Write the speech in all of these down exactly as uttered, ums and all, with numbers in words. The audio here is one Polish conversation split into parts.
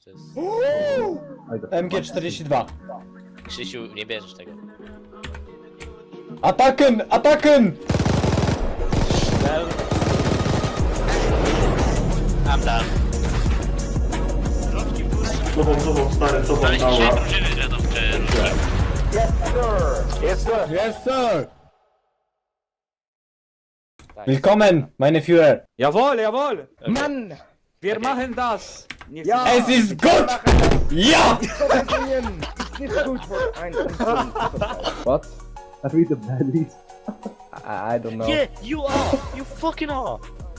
to jest... M G czterdzieści dwa. Krzysiu, nie bierzesz tego. Ataken! Ataken! No. I'm done. Cofam, cofam, stary, cofam, Ale dzisiaj mała. drużyny wiedzą, czy różne. Yes, sir! Tak. Willkommen, meine Führer! Jawohl, jawohl! Okay. Mann! Wir Okay. machen das! Nicht Ja. Es ist gut! Ja! Nicht gut for ein What? I read the baddies. I, I don't know. Yeah, you are! You fucking are!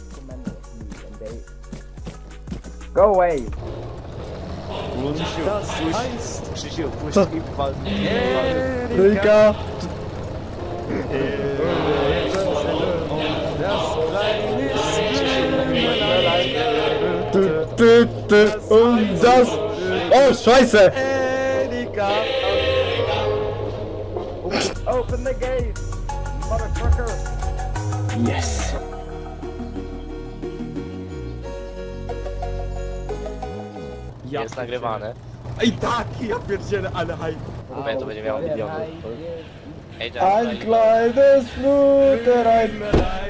Go away. Krzysiu, puść, Krzysiu, puść Co? i wal. Trójka! Ty, ty, ty, und das... O, scheiße! Open the gate, motherfucker. Yes! Ja Jest nagrywane. Ej tak, ja pierdzielę, ale haj. Mówię, to będzie miało miliony. Ej, Ein kleines Bluterein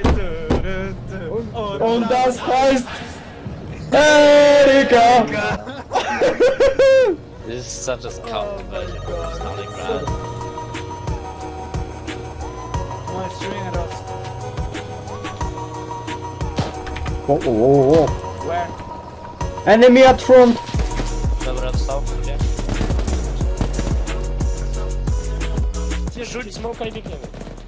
und das heißt... Erika! This is such a scout version of Stalingrad. O, o, o, o. Where? Enemy at front! Dobra, dostał? Gdzie? Rzuć smoka i biegniemy.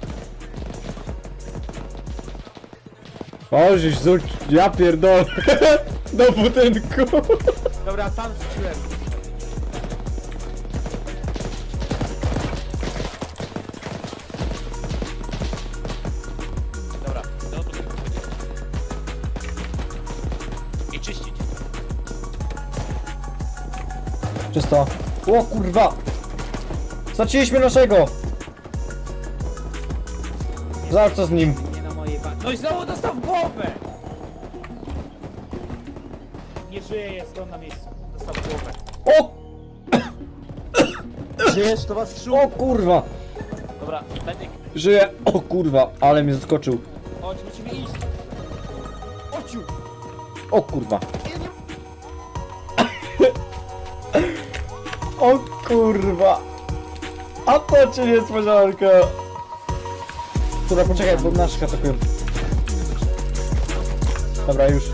O, żeś zrzuć, ja pierdolę. Do budynku. Dobra, tam rzuciłem. Dobra, do budynku. I czyścić. Czysto. O kurwa! Zaczęliśmy naszego! Zobacz co z nim. Nie na mojej ba... No i znowu dostał w głowę! Nie żyje, jest on na miejscu. Dostał w głowę. O! Żyjesz, to was O kurwa! Dobra, medyk. Żyje! O kurwa, ale mnie zaskoczył. Chodź, musimy iść. Ociu! O kurwa. O kurwa. A to ci niespodzianka. Dobra, poczekaj, bo naszych atakują. Dobra, już.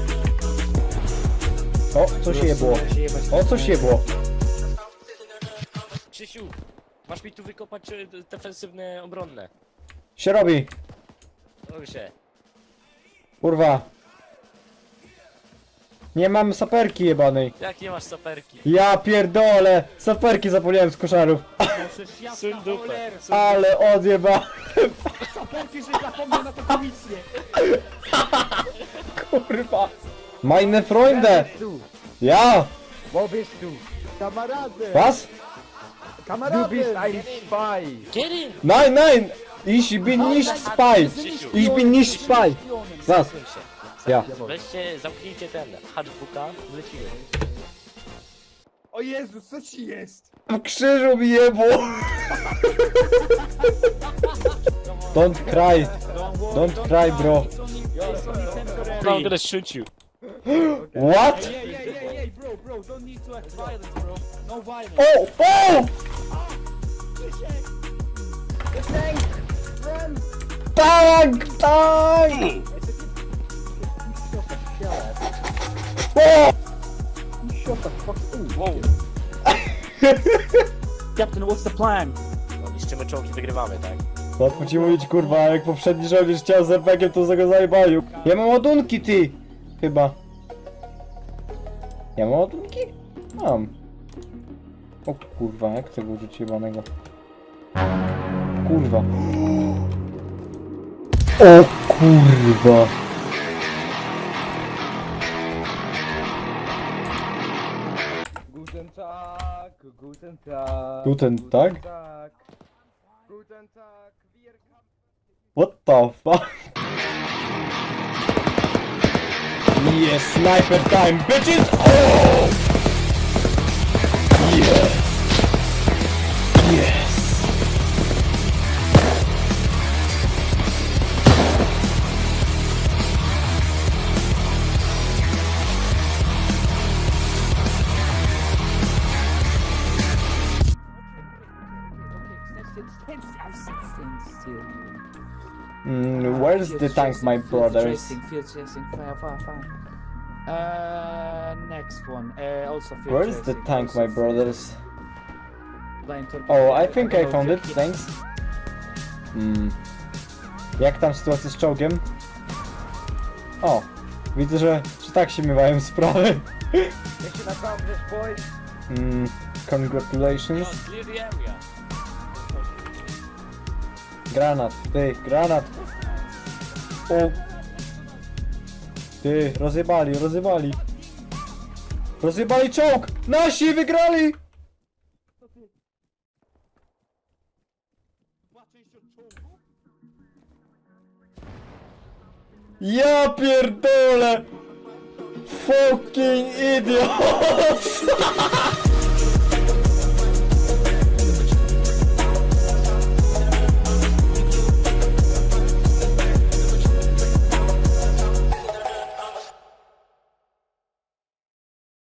O, coś je było. O, coś je było. Krzysiu, masz mi tu wykopać e, defensywne, obronne. Się robi. Robi się. Kurwa. Nie mam saperki jebanej. Jak nie masz saperki? Ja pierdolę. Saperki zapomniałem z koszarów. Możesz jasna Suń dupę. cholera. Ale odjeba. Saperki, że zapomniał na to komisję. Kurwa. Meine Freunde. du? Ja. Wo bist du? Kamerady. Was? Du bist ein Spy. Get in! Nein, nein. Ich bin nicht Spy. Ich bin nicht Spy. Was? Suń się. Ja. Weźcie, zamknijcie ten hatchbooka, lecimy. O Jezu, co ci jest? W krzyżu mi jebło. Don't cry. Don't cry, bro. I'm gonna shoot you. What? Ej, ej, ej, ej, bro, bro, don't need to act violence, bro. No violence. O, o! Tank, tank! O! Wow. Captain, what's the plan? No, niszczymy czołgi, wygrywamy, tak? Łatwo ci mówić, kurwa, jak poprzedni żołnierz chciał z er pe giem, to za go zajebalił. Ja mam ładunki, ty! Chyba. Ja mam ładunki? Mam. O kurwa, jak tego użyć jebanego? Kurwa. O kurwa. Guten Tag, guten Tag. Guten Tag? Tag. Guten Tag. Wir What the fuck? Yes, sniper time, bitches! Oh! Mm, where's the tank, my brothers? Field chasing, fire, fire, fire. Uh, next one. Uh, also field Where's the chasing, tank, also my field brothers? blind torpedo. Oh, I think I About found it, fifteen. thanks. Hmm. Jak tam sytuacja z czołgiem? O, widzę, że, że tak się miewają sprawy. Mission accomplished, boys. Mm, congratulations. Yo, clear the area. Granat, ty, granat. O. Ty, rozjebali, rozjebali. Rozjebali czołg! Nasi wygrali! Ja pierdolę! Fucking idiot!